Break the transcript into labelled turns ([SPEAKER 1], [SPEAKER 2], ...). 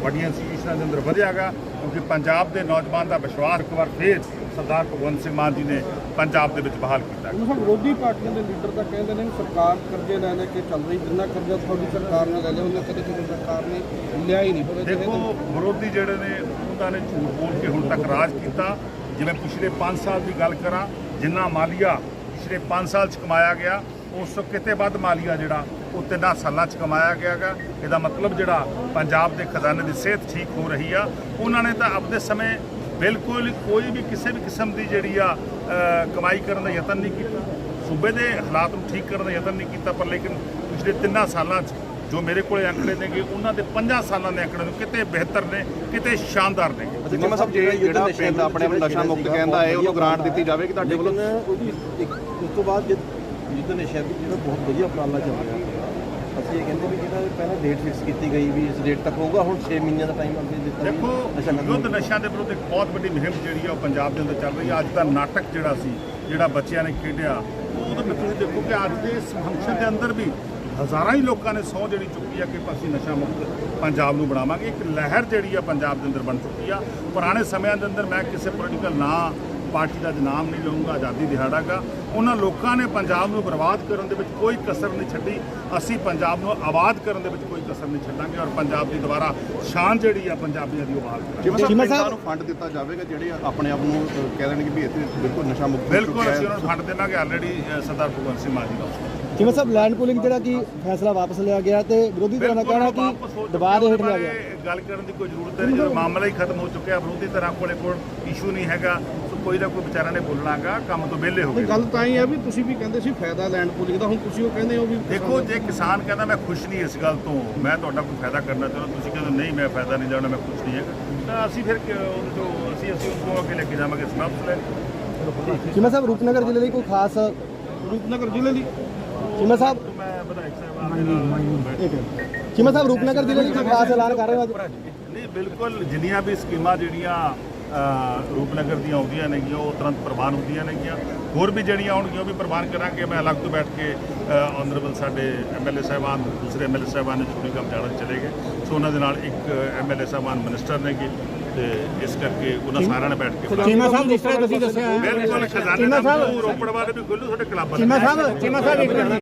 [SPEAKER 1] ਵੱਡੀਆਂ ਇੰਸਟੀਟਿਊਸ਼ਨਾਂ ਦੇ ਅੰਦਰ ਵਧਿਆ ਗਾ, ਕਿਉਂਕਿ ਪੰਜਾਬ ਦੇ ਨੌਜਵਾਨ ਦਾ ਵਿਸ਼ਵਾਸ ਇੱਕ ਵਾਰ ਫੇਰ ਸਰਦਾਰ ਭਗਵੰਤ ਸਿੰਘ ਮਾਨ ਜੀ ਨੇ ਪੰਜਾਬ ਦੇ ਵਿੱਚ ਬਹਾਲ ਕੀਤਾ।
[SPEAKER 2] ਵਿਰੋਧੀ ਪਾਰਟੀਆਂ ਦੇ ਲੀਡਰ ਤਾਂ ਕਹਿੰਦੇ ਨੇ ਸਰਕਾਰ ਕਰਜ਼ੇ ਲੈ ਕੇ ਚੱਲ ਰਹੀ, ਜਿੰਨਾ ਕਰਜ਼ਾ ਤੁਹਾਡੀ ਸਰਕਾਰ ਨੇ ਲੈ ਲਿਆ ਉਹਨਾਂ ਕਦੇ ਕਿਸੇ ਸਰਕਾਰ ਨੇ ਲਿਆ ਹੀ ਨਹੀਂ।
[SPEAKER 1] ਦੇਖੋ ਵਿਰੋਧੀ ਜਿਹੜੇ ਨੇ ਉਹਨਾਂ ਨੇ ਝੂਠ ਬੋਲ ਕੇ ਹੁਣ ਤੱਕ ਰਾਜ ਕੀਤਾ। ਜਿਵੇਂ ਪਿਛਲੇ 5 ਸਾਲ ਦੀ ਗੱਲ ਕਰਾਂ, ਜਿੰਨਾ ਮਾਲੀਆ ਪਿਛਲੇ 5 ਸਾਲ 'ਚ ਕਮਾਇਆ ਗਿਆ ਉਸ ਤੋਂ ਕਿਤੇ ਵੱਧ ਮਾਲੀਆ ਜਿਹੜਾ ਉਹ 3 ਸਾਲਾਂ 'ਚ ਕਮਾਇਆ ਗਿਆ ਗਾ। ਇਹਦਾ ਮਤਲਬ ਜਿਹੜਾ ਪੰਜਾਬ ਦੇ ਖਜ਼ਾਨੇ ਦੀ ਸਿਹਤ ਠੀਕ ਹੋ ਰਹੀ ਆ। ਉਹਨਾਂ ਨੇ ਤਾਂ ਆਪਦੇ ਸਮੇਂ ਬਿਲਕੁਲ ਕੋਈ ਵੀ ਕਿਸੇ ਵੀ ਕਿਸਮ ਦੀ ਜਿਹੜੀ ਆ ਕਮਾਈ ਕਰਨ ਦਾ ਯਤਨ ਨਹੀਂ ਕੀਤਾ, ਸੂਬੇ ਦੇ ਹਾਲਾਤ ਨੂੰ ਠੀਕ ਕਰਨ ਦਾ ਯਤਨ ਨਹੀਂ ਕੀਤਾ। ਪਰ ਲੇਕਿਨ ਪਿਛਲੇ 3 ਸਾਲਾਂ 'ਚ ਜੋ ਮੇਰੇ ਕੋਲ ਅੰਕੜੇ ਨੇਗੇ ਉਹਨਾਂ ਦੇ 5 ਸਾਲਾਂ ਦੇ ਅੰਕੜੇ ਨੂੰ ਕਿਤੇ ਬਿਹਤਰ ਨੇ, ਕਿਤੇ ਸ਼ਾਨਦਾਰ ਨੇ।
[SPEAKER 3] ਜਿਵੇਂ ਸਭ ਜਿਹੜਾ ਪਿੰਡ ਆਪਣੇ ਆਪ ਨਸ਼ਾ ਮੁਕਤ ਕਹਿੰਦਾ ਹੈ ਉਹਨੂੰ ਗ੍ਰਾਂਟ ਦਿੱਤੀ ਜਾਵੇਗੀ ਤੁਹਾਡੇ ਵੱਲੋਂ।
[SPEAKER 2] ਉਹਦੀ ਉਸ ਤੋਂ ਬਾਅਦ ਜਿੱਦਾਂ ਨਸ਼ਾ ਦੀ ਜਿਹੜਾ ਬਹੁਤ ਵਧੀਆ ਉਪਰਾਲਾ ਚੱਲ ਰਿਹਾ, ਅਸੀਂ ਇਹ ਕਹਿੰਦੇ ਵੀ ਜਿਹੜਾ ਪਹਿਲਾਂ ਡੇਟ ਫਿਕਸ ਕੀਤੀ ਗਈ ਵੀ ਇਸ ਡੇਟ ਤੱਕ ਹੋਊਗਾ, ਹੁਣ 6 ਮਹੀਨਿਆਂ ਦਾ ਟਾਈਮ ਅੱਗੇ ਦਿੱਤਾ।
[SPEAKER 1] ਦੇਖੋ ਯੁੱਧ ਨਸ਼ਿਆਂ ਦੇ ਵਿਰੁੱਧ ਇੱਕ ਬਹੁਤ ਵੱਡੀ ਮੁਹਿੰਮ ਜਿਹੜੀ ਆ ਉਹ ਪੰਜਾਬ ਦੇ ਅੰਦਰ ਚੱਲ ਰਹੀ ਆ। ਅੱਜ ਦਾ ਨਾਟਕ ਜਿਹੜਾ ਸੀ, ਜਿਹੜਾ ਬੱਚਿਆਂ ਨੇ ਖੇਡਿਆ, ਉਹਦੇ ਵਿੱਚ ਤੁਸੀਂ ਦੇਖੋ ਕਿ ਅੱਜ ਦੇ ਇਸ ਫੰਕਸ਼ਨ ਦੇ ਅੰਦਰ ਵੀ ਹਜ਼ਾਰਾਂ ਹੀ ਲੋਕਾਂ ਨੇ ਸਹੁੰ ਜਿਹੜੀ ਚੁੱਕੀ ਆ ਕਿ ਅਸੀਂ ਨਸ਼ਾ ਮੁਕਤ ਪੰਜਾਬ ਨੂੰ ਬਣਾਵਾਂਗੇ। ਇੱਕ ਲਹਿਰ ਜਿਹੜੀ ਆ ਪੰਜਾਬ ਦੇ ਅੰਦਰ ਬਣ ਚੁੱਕੀ ਆ। ਪੁਰਾਣੇ ਸਮਿਆਂ ਦੇ ਅੰਦਰ ਮੈਂ ਕਿਸੇ ਪੋਲੀਟੀਕਲ ਨਾਂ ਪਾਰਟੀ ਦਾ ਨਾਮ ਨਹੀਂ ਲਊਂਗਾ, ਆਜ਼ਾਦੀ ਦਿਹਾੜਾ ਗਾ, ਉਹਨਾਂ ਲੋਕਾਂ ਨੇ ਪੰਜਾਬ ਨੂੰ ਬਰਬਾਦ ਕਰਨ ਦੇ ਵਿੱਚ ਕੋਈ ਕਸਰ ਨਹੀਂ ਛੱਡੀ। ਅਸੀਂ ਪੰਜਾਬ ਨੂੰ ਆਬਾਦ ਕਰਨ ਦੇ ਵਿੱਚ ਕੋਈ ਕਸਰ ਨਹੀਂ ਛੱਡਾਂਗੇ ਔਰ ਪੰਜਾਬ ਦੀ ਦੁਬਾਰਾ ਸ਼ਾਨ ਜਿਹੜੀ ਆ ਪੰਜਾਬੀਆਂ ਦੀ ਉਹ ਬਹਾਲ ਕਰਾਂਗੇ।
[SPEAKER 3] ਪਿੰਡਾਂ ਨੂੰ ਫੰਡ ਦਿੱਤਾ ਜਾਵੇਗਾ ਜਿਹੜੇ ਆਪਣੇ ਆਪ ਨੂੰ ਕਹਿ ਦੇਣਗੇ ਵੀ ਇੱਥੇ ਬਿਲਕੁਲ ਨਸ਼ਾ ਮੁਕਤ।
[SPEAKER 1] ਬਿਲਕੁਲ ਅਸੀਂ ਉਹਨਾਂ ਨੂੰ ਫੰਡ ਦੇਵਾਂਗੇ। ਆਲਰੇਡੀ ਸਰਦਾਰ ਭਗਵੰਤ ਸਿੰਘ ਮਾਨ ਜੀ ਦਾ
[SPEAKER 2] ਜਿਵੇਂ ਸਾਹਿਬ ਲੈਂਡ ਪੂਲਿੰਗ ਜਿਹੜਾ ਕਿ ਫੈਸਲਾ ਵਾਪਸ ਲਿਆ ਗਿਆ ਤੇ ਵਿਰੋਧੀ ਧਿਰਾਂ ਦਾ ਕਹਿਣਾ ਕਿ ਦਬਾਅ ਦੇ ਹੇਠ ਲਿਆ ਗਿਆ।
[SPEAKER 1] ਗੱਲ ਕਰਨ ਦੀ ਕੋਈ ਜ਼ਰੂਰਤ ਨਹੀਂ, ਜਦੋਂ ਮਾਮਲਾ ਹੀ ਖਤਮ ਹੋ ਚੁੱਕਿਆ। ਵਿਰੋਧੀ ਧਿਰਾਂ ਕੋਲ ਇਸ਼ੂ ਨਹੀਂ ਹੈਗਾ, ਕੋਈ ਨਾ ਕੋਈ ਵਿਚਾਰਾ ਨੇ ਬੋਲਣਾਗਾ, ਕੰਮ ਤੋਂ ਵਿਹਲੇ ਹੋ ਗਏ।
[SPEAKER 2] ਗੱਲ ਤਾਂ ਹੀ ਹੈ ਵੀ ਤੁਸੀਂ ਵੀ ਕਹਿੰਦੇ ਸੀ ਫਾਇਦਾ ਲੈਂਡ ਪੂਲਿੰਗ ਦਾ, ਹੁਣ ਤੁਸੀਂ ਉਹ ਕਹਿੰਦੇ ਹੋ ਵੀ
[SPEAKER 1] ਦੇਖੋ ਜੇ ਕਿਸਾਨ ਕਹਿੰਦਾ ਮੈਂ ਖੁਸ਼ ਨਹੀਂ ਇਸ ਗੱਲ ਤੋਂ, ਮੈਂ ਤੁਹਾਡਾ ਕੋਈ ਫਾਇਦਾ ਕਰਨਾ ਚਾਹੁੰਦਾ, ਤੁਸੀਂ ਕਹਿੰਦੇ ਨਹੀਂ ਮੈਂ ਫਾਇਦਾ ਨਹੀਂ ਲੈਣਾ, ਮੈਂ ਖੁਸ਼ ਨਹੀਂ ਹੈਗਾ, ਤਾਂ ਅਸੀਂ ਫਿਰ ਅਸੀਂ ਉਸਨੂੰ ਅੱਗੇ ਲੈ ਕੇ ਜਾਵਾਂਗੇ ਸਮਾਪਤ ਲੈ।
[SPEAKER 2] ਚੀਮਾ ਸਾਹਿਬ ਰੂਪਨਗਰ ਜ਼ਿਲ੍ਹੇ ਲਈ ਕੋਈ ਖਾਸ ਰੂਪਨਗਰ ਜ਼ਿਲ੍ਹੇ ਲਈ ਚੀਮਾ ਸਾਹਿਬ
[SPEAKER 1] ਮੈਂ ਵਿਧਾਇਕ ਸਾਹਿਬ
[SPEAKER 2] ਚੀਮਾ ਸਾਹਿਬ ਰੂਪਨਗਰ ਜ਼ਿਲ੍ਹੇ ਲਈ ਕੋਈ ਖਾਸ ਐਲਾਨ ਕਰ ਰਹੇ ਹੋ ਅੱਜ?
[SPEAKER 1] ਨਹੀਂ ਬਿਲਕੁਲ, ਜਿੰਨੀਆਂ ਵੀ ਸਕੀਮਾਂ ਜਿਹੜੀਆਂ ਰੂਪਨਗਰ ਦੀਆਂ ਆਉਂਦੀਆਂ ਨੇਗੀਆਂ ਉਹ ਤੁਰੰਤ ਪ੍ਰਵਾਨ ਹੁੰਦੀਆਂ ਨੇਗੀਆਂ। ਹੋਰ ਵੀ ਜਿਹੜੀਆਂ ਆਉਣਗੀਆਂ ਉਹ ਵੀ ਪ੍ਰਵਾਨ ਕਰਾਂਗੇ। ਮੈਂ ਅਲੱਗ ਤੋਂ ਬੈਠ ਕੇ ਆਨਰੇਬਲ ਸਾਡੇ ਐਮਐਲਏ ਸਾਹਿਬਾਨ, ਦੂਸਰੇ ਐਮਐਲਏ ਸਾਹਿਬਾਨ ਨੇ ਛੁੱਟੀ ਕੰਮ ਜਾਣਾ ਚਲੇ ਗਏ, ਸੋ ਉਹਨਾਂ ਦੇ ਨਾਲ ਇੱਕ ਐਮਐਲਏ ਸਾਹਿਬਾਨ ਮਿਨਿਸਟਰ ਨੇਗੇ ਤੇ ਇਸ ਕਰਕੇ ਉਹਨਾਂ ਸਾਰਿਆਂ ਨੇ ਬੈਠ ਕੇ
[SPEAKER 2] ਚੀਮਾ ਸਾਹਿਬ ਜਿਸ ਤਰ੍ਹਾਂ ਤੁਸੀਂ ਦੱਸਿਆ
[SPEAKER 1] ਬਿਲਕੁਲ ਖਜ਼ਾਨੇ ਦਾ ਰੋਪੜ ਵਾਲੇ ਵੀ ਖੁੱਲ੍ਹੂ, ਤੁਹਾਡੇ ਕਲੱਬ
[SPEAKER 2] ਚੀਮਾ ਸਾਹਿਬ